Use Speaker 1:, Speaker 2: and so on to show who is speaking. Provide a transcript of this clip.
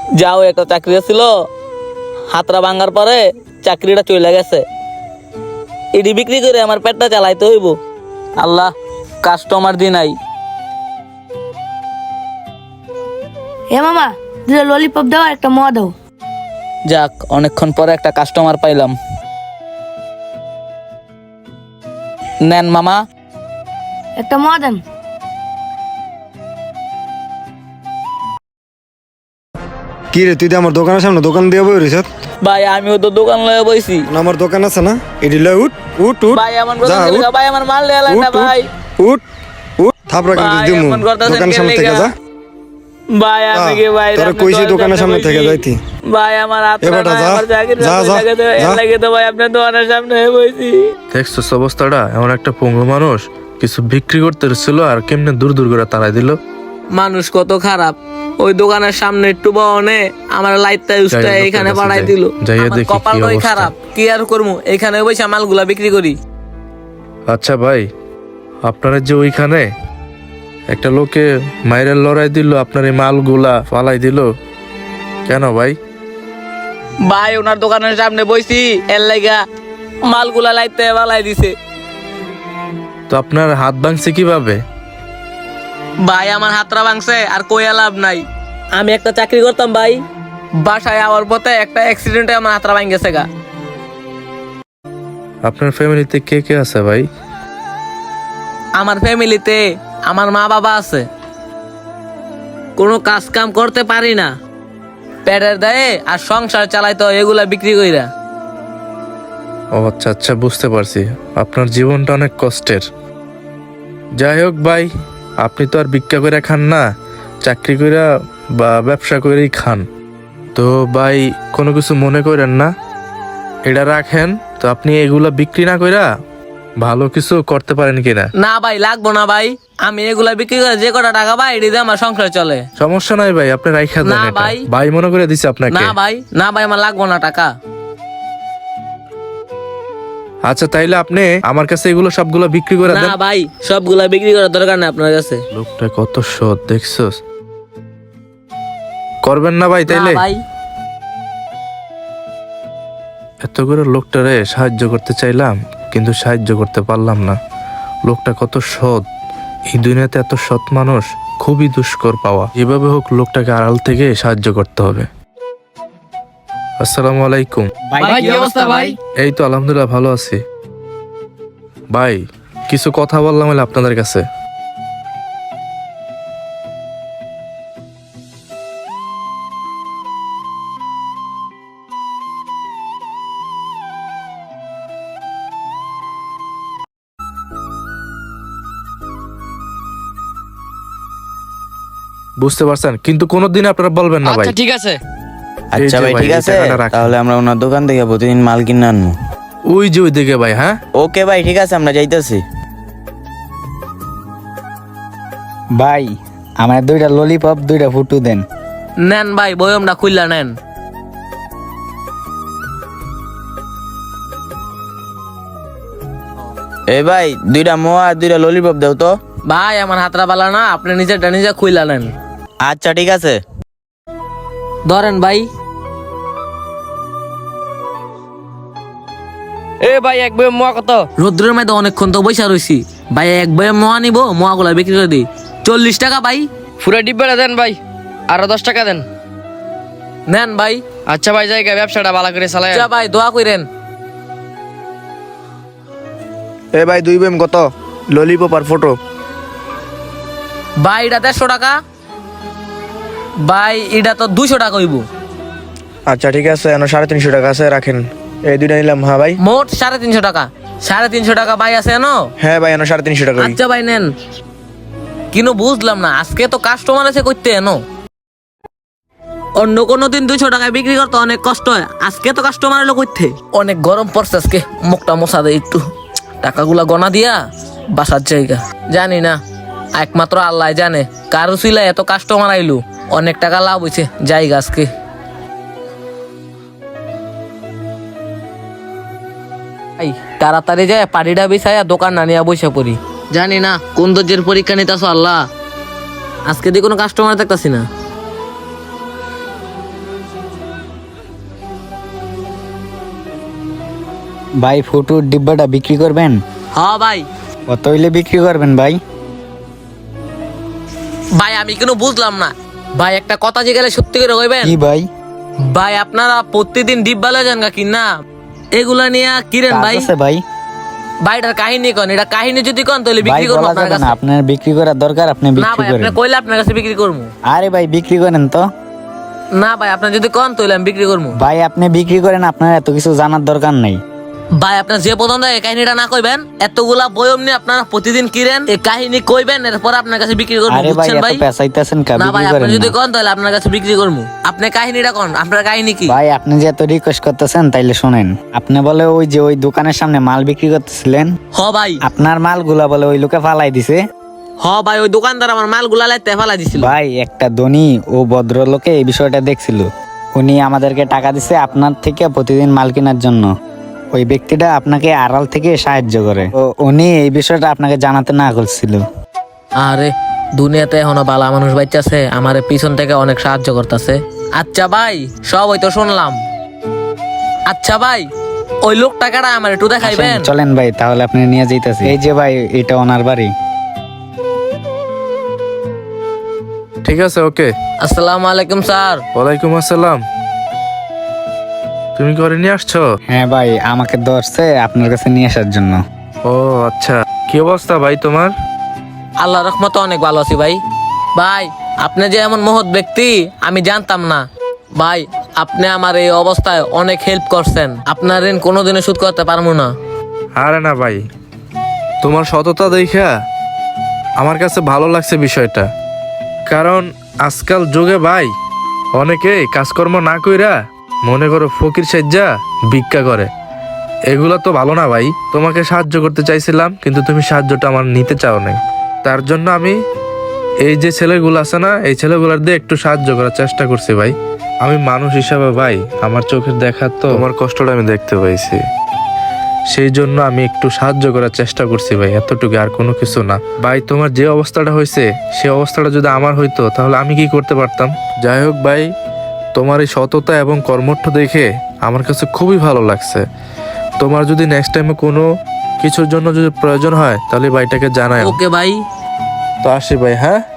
Speaker 1: যাও একটা চাকরি ছিল, হাতরা ভাঙার পরে চাকরিটা চলে গেছে। এটি বিক্রি করে আমার পেটটা চালাইতে হইব। আল্লাহ, কাস্টমার দি নাই।
Speaker 2: হে মামা, দুটো ললিপপ দাও আর একটা মোয়া দাও।
Speaker 1: যাক, অনেকক্ষণ পরে একটা কাস্টমার পাইলাম। নেন মামা।
Speaker 2: একটা মোয়া দেন।
Speaker 3: কি রে, তুই তো আমার দোকানের সামনে দোকান দিয়ে বই রইছ।
Speaker 1: ভাই আমিও তো দোকান লয়ে বইছি।
Speaker 3: আমার দোকান আছে না, এটি লয় উঠ উঠ উঠ।
Speaker 1: ভাই আমার
Speaker 3: যা, উঠ,
Speaker 1: ভাই আমার মাল লেলা না
Speaker 3: উঠ,
Speaker 1: ভাই।
Speaker 3: উঠ উঠ থাপড়া কিন্তু
Speaker 1: ভাই,
Speaker 3: দিমু
Speaker 1: এমন করতাছেন
Speaker 3: দোকানের সামনে
Speaker 1: কেন
Speaker 3: থেকে
Speaker 1: লেগা?
Speaker 3: যা।
Speaker 1: ভাই আমি কি ভাই
Speaker 3: তোরা
Speaker 1: আপনি
Speaker 3: কইছি
Speaker 1: দোকানের
Speaker 3: দোকানের সামনে থেকে
Speaker 1: বইছি।
Speaker 3: যাইতি।
Speaker 1: ভাই আমার হাত
Speaker 3: এ বেটা, যা,
Speaker 1: আমার চাকরি
Speaker 3: যা, যা, যা।
Speaker 1: লাগে তো ভাই আপনার দোকানের সামনে বইছি।
Speaker 4: দেখছিস অবস্থাটা? এমন একটা পঙ্গু মানুষ কিছু বিক্রি করতে ছিল আর কেমনে দূর দূর করে তাড়াই দিল।
Speaker 1: মানুষ কত খারাপ, ওই দোকানের সামনে একটু বনে আমার লাইটটা উস্তা
Speaker 4: যাই,
Speaker 1: এখানে
Speaker 4: লোকের
Speaker 1: পাঠাই
Speaker 4: কাছে
Speaker 1: দিল।
Speaker 4: যাই,
Speaker 1: আমার
Speaker 4: দেখি কি
Speaker 1: কপালটাই
Speaker 4: অবস্থা।
Speaker 1: খারাপ, কি আর করবো, এখানে বসে মালগুলা বিক্রি করি।
Speaker 4: আচ্ছা ভাই, আপনারা যে ওইখানে একটা লোকে মাইরের লড়াই দিল, আপনার এই মালগুলা ফালাই দিল কেন ভাই?
Speaker 1: ভাই ওনার দোকানের সামনে বইছি, এর লাগা মালগুলা লাইটতে পালাই দিছে।
Speaker 4: তো আপনার হাত ভাঙছে কিভাবে?
Speaker 1: ভাই আমার হাতটা ভাঙছে আর কইয়া লাভ নাই। আমি একটা চাকরি করতাম ভাই, বাসায় আওয়ার পথে একটা অ্যাক্সিডেন্টে আমার হাতটা ভাঙ গেছে গা।
Speaker 4: আপনার ফ্যামিলিতে কে কে আছে ভাই?
Speaker 1: আমার ফ্যামিলিতে আমার মা বাবা আছে। কোনো কাজ কাম করতে পারি না, পেটের দায়ে আর সংসার চালাইতো এগুলা বিক্রি কইরা।
Speaker 4: ও আচ্ছা আচ্ছা, বুঝতে পারছি। আপনার জীবনটা অনেক কষ্টের। যাই হোক ভাই, আপনি তো আর ভিক্ষা করে খান না, চাকরি করে বা ব্যবসা করেই খান। তো ভাই কোনো কিছু মনে করেন না, এটা রাখেন। তো আপনি এগুলা বিক্রি না কইরা ভালো কিছু করতে পারেন কিনা?
Speaker 1: না ভাই, লাগবো না ভাই, আমি এগুলা বিক্রি করে যে কটা টাকা পাই এটি দিয়ে আমার সংসার চলে।
Speaker 4: সমস্যা নাই ভাই, আপনি রাইখা দেন
Speaker 1: না
Speaker 4: এটা।
Speaker 1: ভাই।
Speaker 4: ভাই মনে করে দিছে আপনাকে।
Speaker 1: না ভাই, না ভাই, আমার লাগবো না টাকা।
Speaker 4: আচ্ছা তাইলে আপনি আমার কাছে এগুলো সবগুলো বিক্রি করে দেন।
Speaker 1: না ভাই, সবগুলা বিক্রি করার দরকার নেই আপনার কাছে।
Speaker 4: লোকটা কত সৎ দেখছস। করবেন না ভাই
Speaker 1: না
Speaker 4: তাইলে?
Speaker 1: ভাই,
Speaker 4: এত করে লোকটারে সাহায্য করতে চাইলাম কিন্তু সাহায্য করতে পারলাম না। লোকটা কত সৎ, এই দুনিয়াতে এত সৎ মানুষ খুবই দুষ্কর পাওয়া। যেভাবে হোক লোকটাকে আড়াল থেকে সাহায্য করতে হবে। আসসালামু আলাইকুম।
Speaker 1: ভাই কি অবস্থা ভাই?
Speaker 4: এই তো আলহামদুলিল্লাহ ভালো আছি। ভাই কিছু কথা বললাম হলে আপনাদের কাছে। বুঝতে পারছেন, কিন্তু কোনোদিন আপনারা বলবেন না ভাই।
Speaker 5: আচ্ছা ঠিক আছে।
Speaker 4: এই
Speaker 6: আচ্ছা
Speaker 4: যে
Speaker 6: ভাই, ঠিক
Speaker 4: এই
Speaker 6: আছে,
Speaker 4: টাকাটা রাখেন।
Speaker 6: তাহলে আমরা ওনার দোকান থেকে প্রতিদিন মাল কিনে আনবো।
Speaker 4: ওই যে ওই দিকে ভাই। হ্যাঁ
Speaker 6: ওকে ভাই, ঠিক আছে, আমরা যাইতেছি।
Speaker 7: ভাই আমার দুইটা ললিপপ দুইটা ফুটু দেন।
Speaker 1: নেন ভাই, বয়মটা খুললা নেন।
Speaker 6: এ ভাই, দুইটা মোয়া আর দুইটা ললিপপ দাও তো।
Speaker 1: ভাই আমার হাতটা বালা না, আপনি নিজেরটা নিজে খুইলা নেন।
Speaker 6: আচ্ছা ঠিক আছে।
Speaker 1: ধরেন ভাই।
Speaker 5: এ ভাই এক বই মোয়া কত?
Speaker 1: রোদ্রের মধ্যে অনেকক্ষণ তো বৈশা রইছি ভাই, এক বয়ে মোয়া নিবো, মোয়াগুলা বিক্রি করে দিই। 40 টাকা ভাই।
Speaker 5: পুরো ডিব্বাটা দেন ভাই, আরো 10 টাকা দেন।
Speaker 1: নেন ভাই।
Speaker 5: আচ্ছা ভাই, জায়গা ব্যবসাটা ভালো করে চালায়।
Speaker 1: আচ্ছা ভাই, দোয়া করেন।
Speaker 3: এ ভাই, দুই বেম কত? ললিপপ আর ফটো।
Speaker 1: ভাই এটা 150 টাকা। ভাই এটা তো 200 টাকা হইব।
Speaker 3: আচ্ছা ঠিক আছে, 350 টাকা আছে, রাখেন। এই দুইটা নিলাম। হ্যাঁ ভাই।
Speaker 1: মোট 350 টাকা। 350 টাকা ভাই আছে এনো?
Speaker 3: হ্যাঁ ভাই, 350 টাকা।
Speaker 1: আচ্ছা ভাই নেন। কিন্তু বুঝলাম না, আজকে তো কাস্টমার আছে কইতে এনো। অন্য কোনো দিন 200 টাকায় বিক্রি করতে অনেক কষ্ট হয়, আজকে তো কাস্টমার এলো কইতে। অনেক গরম পড়ছে আজকে, মুখটা মোছা দেয় একটু। টাকাগুলা গনা দিয়া বাসার জায়গা জানি না, একমাত্র আল্লাহ জানে কারো ছিল এত কাস্টমার আইলো। অনেক টাকা লাভ হয়েছে জায়গা আজকে। ভাই তাড়াতাড়ি যায় পাটিটা বিছাইয়া দোকান না নিয়ে বসে পড়ি। জানি না কোন দর্জের পরীক্ষা নিতেছ আল্লাহ, আজকে দিয়ে কোনো কাস্টমার দেখতাছি না।
Speaker 7: ভাই ফুটুর ডিব্বাটা বিক্রি করবেন?
Speaker 1: হ ভাই।
Speaker 7: কত হইলে বিক্রি করবেন ভাই?
Speaker 1: ভাই আমি কোনো বুঝলাম না ভাই, একটা কথা জিজ্ঞাসা সত্যি করে কইবেন?
Speaker 7: কি ভাই?
Speaker 1: ভাই আপনারা প্রতিদিন ডিব্বা লয়ে যান কি না? এগুলা নিয়ে কিরেন
Speaker 7: কাজ
Speaker 1: ভাই?
Speaker 7: আছে ভাই?
Speaker 1: ভাইটার কাহিনী কোন, এটা কাহিনী যদি কোন তাহলে
Speaker 7: ভাই
Speaker 1: বিক্রি করবো
Speaker 7: বলা
Speaker 1: আপনার
Speaker 7: যাবে না,
Speaker 1: কাছে।
Speaker 7: আপনার বিক্রি করার দরকার, আপনি
Speaker 1: না
Speaker 7: বিক্রি
Speaker 1: ভাই, আপনি
Speaker 7: করেন।
Speaker 1: কইলে আপনার কাছে বিক্রি করবো।
Speaker 7: আরে ভাই বিক্রি করেন তো।
Speaker 1: না ভাই, আপনি যদি কোন তাহলে আমি বিক্রি করবো।
Speaker 7: ভাই আপনি বিক্রি করেন, আপনার এত কিছু জানার দরকার নেই।
Speaker 1: ভাই আপনার যে পছন্দ হয় এই কাহিনীটা না কইবেন, এতগুলা বয়ম নিয়ে আপনারা প্রতিদিন কিরেন, এই কাহিনী কইবেন, এরপর আপনার কাছে বিক্রি করবো,
Speaker 7: আরে ভাই
Speaker 1: বুঝছেন
Speaker 7: এত
Speaker 1: ভাই?
Speaker 7: পেঁচাইতেছেন কা,
Speaker 1: না ভাই,
Speaker 7: বিক্রি
Speaker 1: আপনি
Speaker 7: করেন
Speaker 1: যদি
Speaker 7: না।
Speaker 1: কোন তাহলে আপনার কাছে বিক্রি করবো। আপনি কাহিনীটা কোন, আপনার কাহিনী কি?
Speaker 7: ভাই আপনি যে এত রিকোয়েস্ট করতেছেন তাইলে শুনেন। আপনি বলে ওই যে ওই দোকানের সামনে মাল বিক্রি করতেছিলেন,
Speaker 1: হ ভাই।
Speaker 7: আপনার মালগুলা বলে ওই লোকে ফালাই দিছে।
Speaker 1: হ ভাই, ওই দোকানদার আমার মালগুলা লাইতে ফেলাই দিছিল।
Speaker 7: ভাই একটা ধনী ও ভদ্রলোকে এই বিষয়টা দেখছিল, উনি আমাদেরকে টাকা দিছে আপনার থেকে প্রতিদিন মাল কেনার জন্য। ওই ব্যক্তিটা আপনাকে আড়াল থেকে সাহায্য করে, তো উনি এই বিষয়টা আপনাকে জানাতে না করছিল।
Speaker 1: আরে দুনিয়াতে এখনো বালা মানুষ বাইচাছে, আমার পিছন থেকে অনেক সাহায্য করতেছে। আচ্ছা ভাই, সব ওই তো শুনলাম। আচ্ছা ভাই, ওই লোক টাকাটা আমার একটু দেখাইবেন?
Speaker 7: চলেন ভাই তাহলে আপনি নিয়ে যাইতেছি। এই যে ভাই এটা ওনার বাড়ি।
Speaker 4: ঠিক আছে, ওকে।
Speaker 1: আসসালামু আলাইকুম স্যার।
Speaker 4: ওয়ালাইকুম আসসালাম। তুমি করে নিয়ে আসছো?
Speaker 7: হ্যাঁ ভাই, আমাকে ধরছে আপনার কাছে নিয়ে আসার জন্য।
Speaker 4: ও আচ্ছা, কি অবস্থা ভাই তোমার?
Speaker 1: আল্লাহ রহমত অনেক ভালো আছি ভাই। ভাই আপনি যে এমন মহৎ ব্যক্তি আমি জানতাম না ভাই। আপনি আমার এই অবস্থায় অনেক হেল্প করছেন, আপনার ঋণ কোনোদিনও শোধ করতে পারবো না।
Speaker 4: আরে না ভাই, তোমার সততা দেখা আমার কাছে ভালো লাগছে বিষয়টা। কারণ আজকাল যুগে ভাই অনেকে কাজকর্ম না কইরা মনে করো ফকির সাজ্জা ভিক্ষা করে, এগুলা তো ভালো না ভাই। তোমাকে সাহায্য করতে চাইছিলাম কিন্তু তুমি সাহায্যটা আমার নিতে চাও নাই, তার জন্য আমি এই যে ছেলেগুলো আছে না, এই ছেলেগুলার দিয়ে একটু সাহায্য করার চেষ্টা করছি ভাই। আমি মানুষ হিসাবে ভাই আমার চোখের দেখা তো তোমার কষ্টটা আমি দেখতে পাইছি, সেই জন্য আমি একটু সাহায্য করার চেষ্টা করছি ভাই, এতটুকু, আর কোনো কিছু না ভাই। তোমার যে অবস্থাটা হয়েছে সেই অবস্থাটা যদি আমার হইতো তাহলে আমি কি করতে পারতাম? যাই হোক ভাই, তোমার এই সততা এবং কর্মঠ দেখে আমার কাছে খুবই ভালো লাগছে। তোমার যদি নেক্সট টাইমে কোনো কিছুর জন্য যদি প্রয়োজন হয় তাহলে ভাইটাকে জানাই।
Speaker 1: ওকে ভাই।
Speaker 4: তো আসি ভাই, হ্যাঁ।